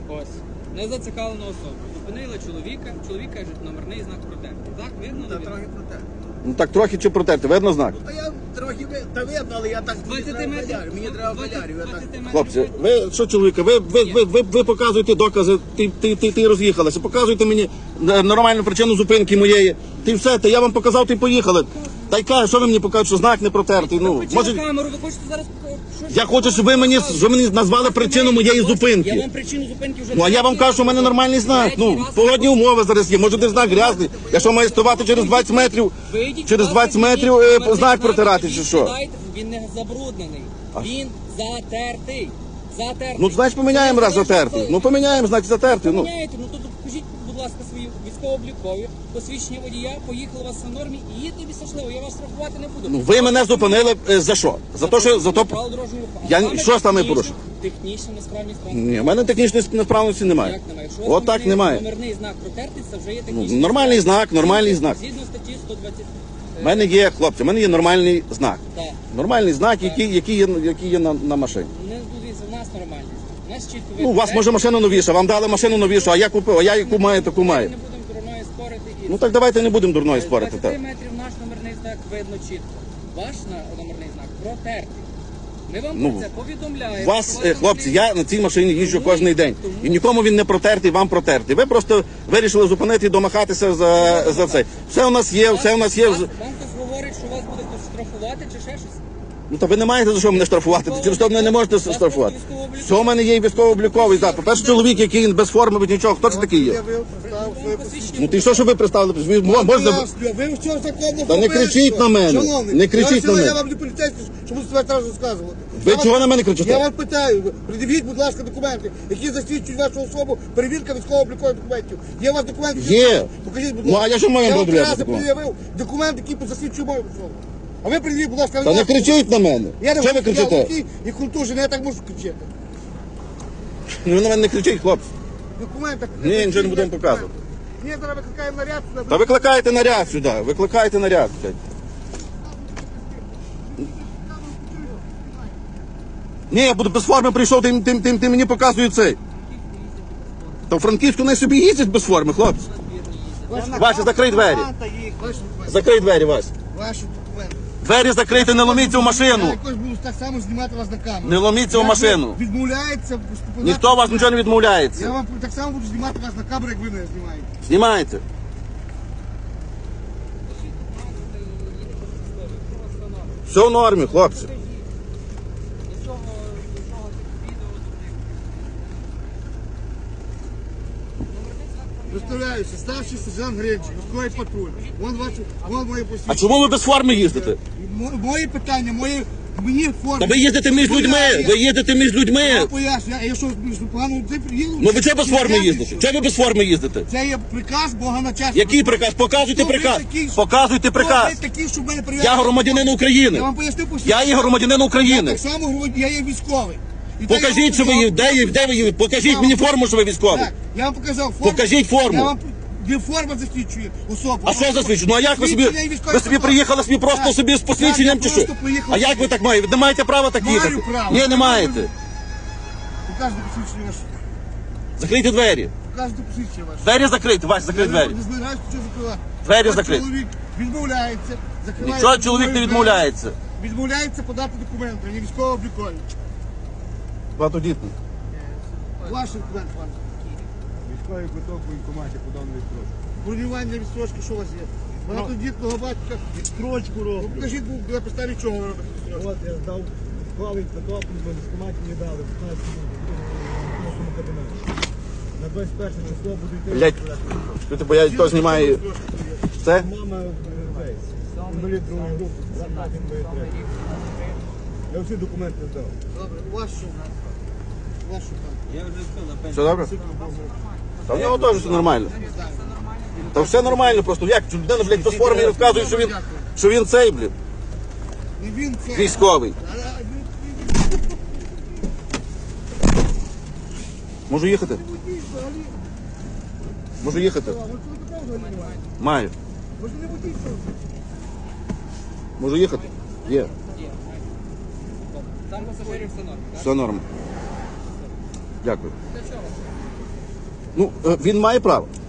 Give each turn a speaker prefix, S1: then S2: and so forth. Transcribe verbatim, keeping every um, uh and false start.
S1: Ось. Незацікавлена особа. Зупинила чоловіка, чоловік каже, номерний знак протертий. Так, видно?
S2: Та
S1: не
S2: трохи
S1: видно?
S2: проте.
S3: Ну так трохи чи протерти, видно знак?
S2: Та я трохи ви- та видно, але я так мені
S1: двадцять
S2: треба
S1: метрів.
S2: калярю. Мені треба
S1: двадцять
S2: калярю. Я так...
S1: метрів
S3: Хлопці,
S1: видно.
S3: ви що, чоловіка, ви, ви, ви, ви, ви показуєте докази, ти, ти, ти, ти роз'їхалися, показуєте мені е, нормальну причину зупинки моєї. Ти все, та я вам показав, ти поїхали. Та й каже, що ви мені покажете, що знак не протертий. Ну,
S1: Включили
S3: може,
S1: камеру, ви хочете зараз... Що ж
S3: я хочу, щоб ви мені, щоб ви мені назвали причину моєї
S1: Я
S3: зупинки.
S1: вам причину зупинки вже...
S3: Ну, а я вам кажу, що в мене нормальний знак.
S1: Третій
S3: Ну,
S1: раз.
S3: погодні умови зараз є. Може, де знак грязний. Я що, маю ставати через двадцять метрів,
S1: Вийдіть,
S3: через
S1: будь ласка,
S3: двадцять метрів
S1: візьміть
S3: е,
S1: номерний
S3: знак протирати чи що?
S1: відкидайте. Він не забруднений. Він затертий. Затертий.
S3: Ну, значить, поміняємо раз затертий. Ну, поміняємо, значить, затертий. Ну,
S1: Поміняєте, ну то покажіть, будь ласка, свої військово-облікові, посвідчення водія, поїхали у вас на нормі і їдьте собі щасливо, я вас штрафувати не буду.
S3: ну, ви мене зупинили е, за що? За те, що, за то...
S1: Правила дорожнього руху. А
S3: Я-
S1: саме
S3: що саме
S1: технічно-
S3: порушив?
S1: Технічна несправність транспорту.
S3: Ні, в мене технічної несправності немає.
S1: Як немає? Якщо у вас
S3: От так
S1: номерний-
S3: немає.
S1: Номерний знак протертий, це вже є
S3: Ну,
S1: технічний.
S3: нормальний знак, нормальний знак.
S1: Згідно статті сто двадцять.
S3: У мене є, хлопці, в мене є нормальний знак.
S1: Так.
S3: Нормальний знак, який, який є, який є на, на машині.
S1: Не дивіться, у нас нормальний знак. У нас чітко
S3: Ну, у вас може машина новіша, вам дали машину новішу, а я купив, а я яку маю, таку
S1: Ми
S3: маю.
S1: не будемо дурною спорити. І
S3: Ну так давайте не будемо дурної спорити.
S1: з двадцяти
S3: Так.
S1: метрів наш номерний знак видно чітко. Ваш на- номерний знак протертий. Ми вам
S3: Ну,
S1: про це повідомляємо.
S3: У вас,
S1: що
S3: е, хлопці,
S1: номерний
S3: я на цій машині їжджу
S1: Тому-
S3: кожен день.
S1: тому-
S3: І нікому він не протертий, вам протертий. Ви просто вирішили зупинити і домахатися за, за це. Все у нас є, все у нас є.
S1: Вас- Вам хтось говорить, що вас буде хтось штрафувати чи ще щось?
S3: Ну та ви не маєте за що мене штрафувати, через що мене не можете штрафувати. Все у мене є і військово-обліковий. Да. По-перше, чоловік, який без форми, без нічого, хто це такий є?
S2: Я вив, представив своє посвідчення.
S3: Ну ти що, що ви представили? Ви мо- можна...
S2: Пояснюю, ви що законно
S3: Та не кричіть на мене.
S2: Шановний,
S3: Не кричіть
S2: я
S3: на мене.
S2: Я вам не поліцейський, щоб себе зараз розказувати.
S3: Ви
S2: Я вас-
S3: чого на мене кричите?
S2: Я вас питаю, придивіть, будь ласка, документи, які засвідчують вашу особу, перевірка військово-облікових документів. Є у вас документи?
S3: Є.
S2: Покажіть, будь
S3: Ну,
S2: ласка.
S3: а я що маю
S2: Я вам
S3: пред'являти
S2: три рази
S3: документи?
S2: пред'явив документи, які засвідчують мою особу. А ви придивіть, будь ласка,
S3: Та не
S2: вашу-
S3: кричіть на мене.
S2: Я не
S3: Що ви
S2: я
S3: кричите?
S2: глухий і культурний, я так можу кричати.
S3: Ну ви на мене не кричіть, хлопці.
S2: Документи.
S3: Ні, нічого не будемо показувати.
S2: Ні, зараз викликаємо наряд сюди.
S3: Та викликайте наряд сюди, викликайте наряд. блядь. Ні, я буду без форми прийшов, ти, ти, ти, ти мені показує цей. Та в Франківську не собі їздять без форми, хлопці. Вася, закрий двері.
S2: Ваші документи.
S3: Закрий двері, Вася.
S2: Ваші документи.
S3: Двері закрийте, не ломіться в
S2: Я
S3: машину.
S2: якось буду так само знімати вас на камеру.
S3: Не ломіться в
S2: Як
S3: машину.
S2: ви Відмовляється поступати.
S3: Ніхто у вас нічого не
S2: Я
S3: відмовляється.
S2: вам так само буду знімати вас на камеру, як ви мене знімаєте.
S3: Знімайте. Все в нормі, хлопці.
S2: Представляюся, старший сержант Гринчик, військовий патруль. Вон ваші, вон моє
S3: А
S2: посвідчення.
S3: чому ви без форми їздите?
S2: Мо- Мої питання, мої, мені форми.
S3: Та ви їздите між людьми, ви їздите між
S2: Я
S3: людьми.
S2: поясню, я, я що, що погано ти приїду?
S3: Ну ви чого без форми їздите? Чого ви без форми їздите?
S2: Це є приказ Бога на час.
S3: Який приказ? Показуйте приказ. Показуйте приказ.
S2: Ви такі, щоб мене перевіряли.
S3: Я громадянин України.
S2: Я вам поясню посвідчення.
S3: Я є громадянин
S2: Я
S3: України.
S2: так само громадянин, я є військовий. І так я
S3: Покажіть,
S2: вам
S3: що ви є.
S2: показав-
S3: Де, є- де ви є? Покажіть мені форму, що ви військовий.
S2: Так, я вам показав форму.
S3: Покажіть форму.
S2: Я вам де форма засвідчує особу.
S3: А що засвідчено? Ну а як ви собі?
S2: Посвідчення і військовий
S3: Ви собі
S2: паспорт.
S3: приїхали собі просто
S2: Так.
S3: собі з посвідченням
S2: Так,
S3: чи
S2: я
S3: що?
S2: просто приїхав
S3: А як ви так маєте? Ви не маєте права так
S2: Маю
S3: їхати?
S2: право.
S3: Ні, не маєте.
S2: Покажете посвідчення ваше.
S3: Закрийте двері.
S2: Покажете посвідчення ваше.
S3: Двері закрийте, Вась, закрий двері.
S2: Не збираюсь нічого закривати.
S3: Двері
S2: От
S3: закриті.
S2: Чоловік відмовляється. закриває
S3: Нічого чоловік не
S2: двері.
S3: відмовляється.
S2: Відмовляється подати документи, не військово облікові.
S3: Багатодітний.
S2: Ваш документ, пане.
S4: Військовий квиток у військкоматі подав на відстрочку.
S2: Бронювання відстрочки, що у вас є? Багатодітного батька.
S4: Відстрочку
S2: Ну,
S4: роблю.
S2: покажіть, бо на підставі чого ви робите відстрочку.
S4: От я здав військовий квиток, бо військкоматі мені дали в п'ятнадцятому кабінеті. На двадцять перше число буду йти.
S3: Блять, ти бо я то знімаю. Це?
S4: Мама цей, інвалід другої групи, брат інвалід третій. Я всі документи здав.
S2: Добре, вашу. Вашу там.
S3: Все добре? Та в нього теж все нормально. Та все нормально, просто як людина, блядь, без форми розказує, що він, що він цей, блядь,
S2: Не він це.
S3: військовий.
S2: А, а, він-
S3: Можу їхати?
S2: він взагалі.
S3: Можу їхати?
S2: А, ви що ви такого взагалі немає?
S3: Маю.
S2: Ви ж не водій, що ви?
S3: Можу їхати? Є.
S1: Там пасажирів все норм, так?
S3: Все норм. Дякую.
S1: Для чого?
S3: Ну, е, він має право.